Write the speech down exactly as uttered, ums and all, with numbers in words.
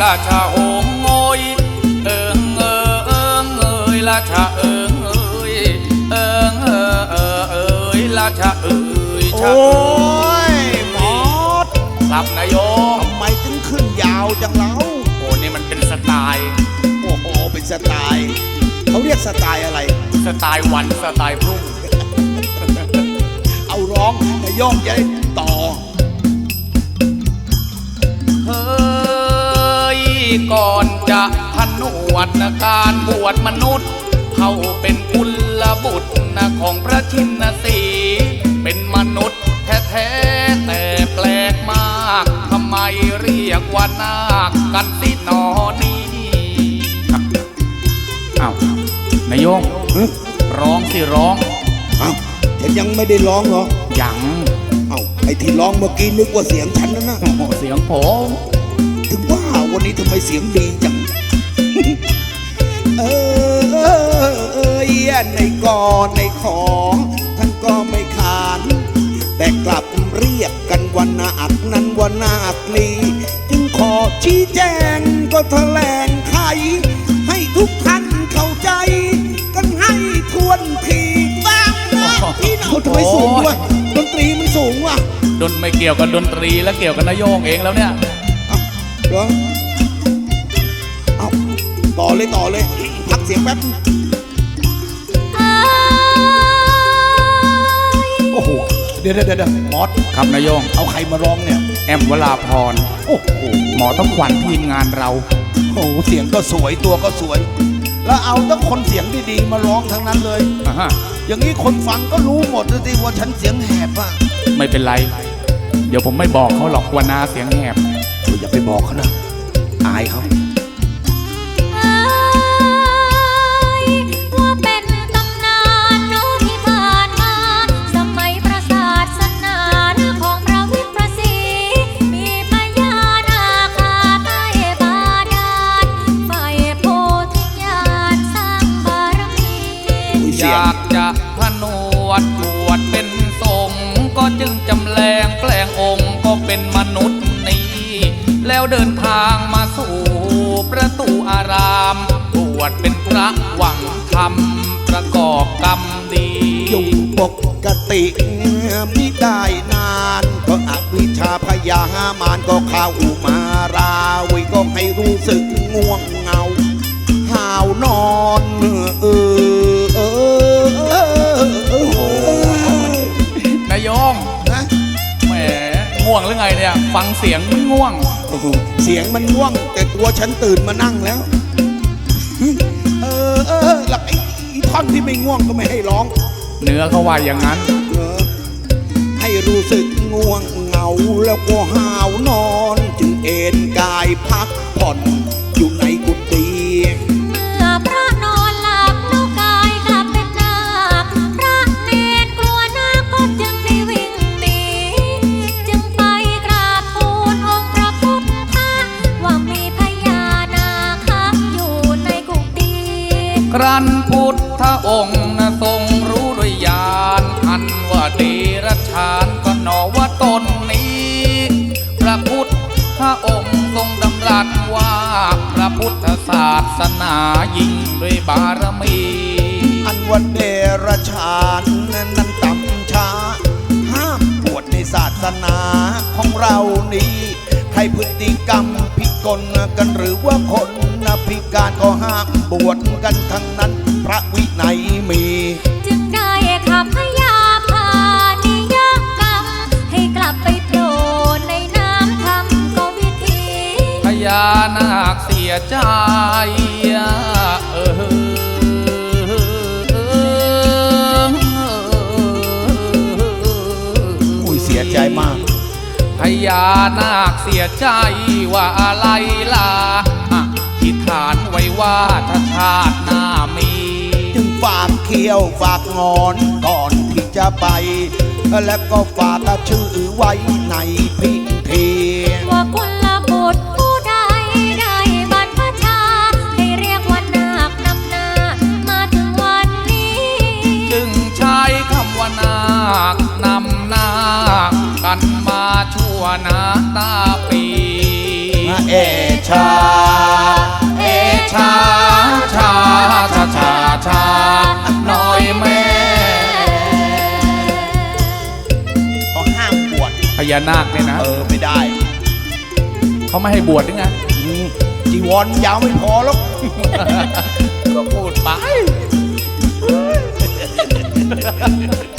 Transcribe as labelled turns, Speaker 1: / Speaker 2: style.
Speaker 1: ราชาโหมโงยเอิงเอิงเอิงเอยราชาเอิงเอยเอิงเอิงเอิงเอยราชาเอยชา
Speaker 2: โอ้ยหมอด
Speaker 1: ครับนายโยม
Speaker 2: ทำไมถึงขึ้นยาวจังเล่า
Speaker 1: โอ้นี่มันเป็นสไตล์
Speaker 2: โอ้โหเป็นสไตล์เขาเรียกสไตล์อะไร
Speaker 1: สไตล์วันสไตล์พรุ่ง
Speaker 2: เอาร้องนายโยงจะได้ต่อ
Speaker 1: เฮ้ยก่อนจะผนวดนะการบวชมนุษย์เขาเป็นกุลบุตรนะของพระชินสีเป็นมนุษย์แท้ๆแต่แปลกมากทำไมเรียกว่านาคกันสิหนอนี้อ้าวนายโยงร้องสิร้อง
Speaker 2: เอ้าฉันยังไม่ได้ร้องเหรอ
Speaker 1: ยัง
Speaker 2: เอ้าไอ้ที่ร้องเมื่อกี้นึกว่าเสียงฉันนะนะ
Speaker 1: โอ้โหเสียงผม
Speaker 2: ถึงว่าวันนี้ทำไมเสียงดีจัง เออเออเออในกอในขอท่านก็ไม่ขาน แต่กลับเรียกกันวันนาคนั้นวันนาคลีจึงขอชี้แจงก็แถลงไขให้ทุกท่านเข้าใจ กันให้ทวนทีฟังนะพี่น้องทำไมสูงวะดนตรีมันสูงวะ
Speaker 1: ดนไม่เกี่ยวกับดนตรีและเกี่ยวกับนายโยงเองแล้วเนี่ย
Speaker 2: เอาเหรอเอาต่อเลยต่อเลย พักเสียงแป๊บ โอ้โห เดี๋ยวเดี๋ยวเดี๋ยวมอส
Speaker 1: ครับนายโยง
Speaker 2: เอาใครมาร้องเนี่ย
Speaker 1: แอมวราพร
Speaker 2: โอ้โห
Speaker 1: หมอต้องขวัญทีมงานเรา
Speaker 2: โอ้โห เสียงก็สวยตัวก็สวย แล้วเอาทั้งคนเสียงดีๆมาร้องทั้งนั้นเลย
Speaker 1: อ่าฮะ
Speaker 2: อย่างนี้คนฟังก็รู้หมดเลยสิว่าฉันเสียงแหบอ่ะ
Speaker 1: ไม่เป็นไร เดี๋ยวผมไม่บอกเขาหรอกว่านาเสียงแหบ
Speaker 2: เอออย่าไปบอกเขานะ อายเขา
Speaker 3: ว่าเป็นตำนานโน้ที่ผ่านมาสมัยประศาสนาของพระวิปัสสีมีพญานาคาใต้บาดาลฝ่ายโพธิญาณสร้างบารมี
Speaker 1: อยากจะผนวดบวชเป็นสงฆ์ก็จึงจำแรงแปลงองค์ก็เป็นมนุษย์นี้ แล้วเดินทางมาสู่ประตูอารามบวชเป็นพระหวังธรรมประกอบกรรมดี
Speaker 2: อยู่ปกติไม่ได้นาน ก็อวิชชาพยามารก็เข้ามาราวิก็ให้รู้สึกง่วงเหงาห่าวนอนเออเออเออเออน
Speaker 1: ายโยง
Speaker 2: นะ
Speaker 1: แหมง่วงหรือไงเนี่ย ฟังเสียงไม่ง่วง
Speaker 2: โอ้โหเสียงมันง่วง แต่ตัวฉันตื่นมานั่งแล้ว เออเออแล้วไอ้ท่อนที่ไม่ง่วงก็ไม่ให้ร้อง
Speaker 1: เนื้อเขาว่าอย่างนั้น
Speaker 2: เออให้รู้สึกง่วงเหงาแล้วก็ห้าวนอน จึงเอนกายพักผ่อนอยู่ในกุฏิ
Speaker 3: เมื่อพระนอนหลับแล้วกายกลับเป็นนาคพระเนรกลัวนาคก็จึงได้วิ่งหนีจึงไปกราบทูลองค์พระพุทธว่ามีพญานาคอยู่ในกุฏิ
Speaker 1: ครั้นพุทธองค์นะทรงรู้ด้วยญาณอันว่าเดรัจฉานก็หนอว่าตนนี้ พระพุทธองค์ทรงดำรัสว่าพระพุทธศาสนายิ่งด้วยบารมี
Speaker 2: อันวันเดรชานนั้นต่ำช้า ห้ามบวชในศาสนาของเรานี้ใครพฤติกรรมพิกลกันหรือว่าคนพิการก็ห้ามบวชกันทั้งนั้นพระวินัยมี
Speaker 3: จึงได้ขับพยาพานิยกรรมให้กลับไปโผล่ในน้ำธรรมก็วิธี
Speaker 1: พญานาคเสียใจเออ
Speaker 2: อุ้ยเสียใจมาก
Speaker 1: พญานาคเสียใจว่าอะไรล่ะที่ฐานไว้ว่าถ้าชาติหน้ามี
Speaker 2: จึงฝากเขี้ยวฝากงอนก่อนที่จะไป แล้วก็ฝากชื่อไว้ในพิธี
Speaker 3: ว่ากุลบุตรผู้ใดได้บรรพชาให้เรียกว่านาคนำหน้ามาถึงวันนี้
Speaker 1: จึงใช้คำว่านาคนำหน้ากันมาชั่วนาตาปี
Speaker 2: เอชา
Speaker 1: ญานาคเนี่ยนะ
Speaker 2: เออไม่ได้
Speaker 1: เขาไม่ให้บวชหรือไง
Speaker 2: อืมจีวรยาวไม่พอแล้ว
Speaker 1: ก็พูดไป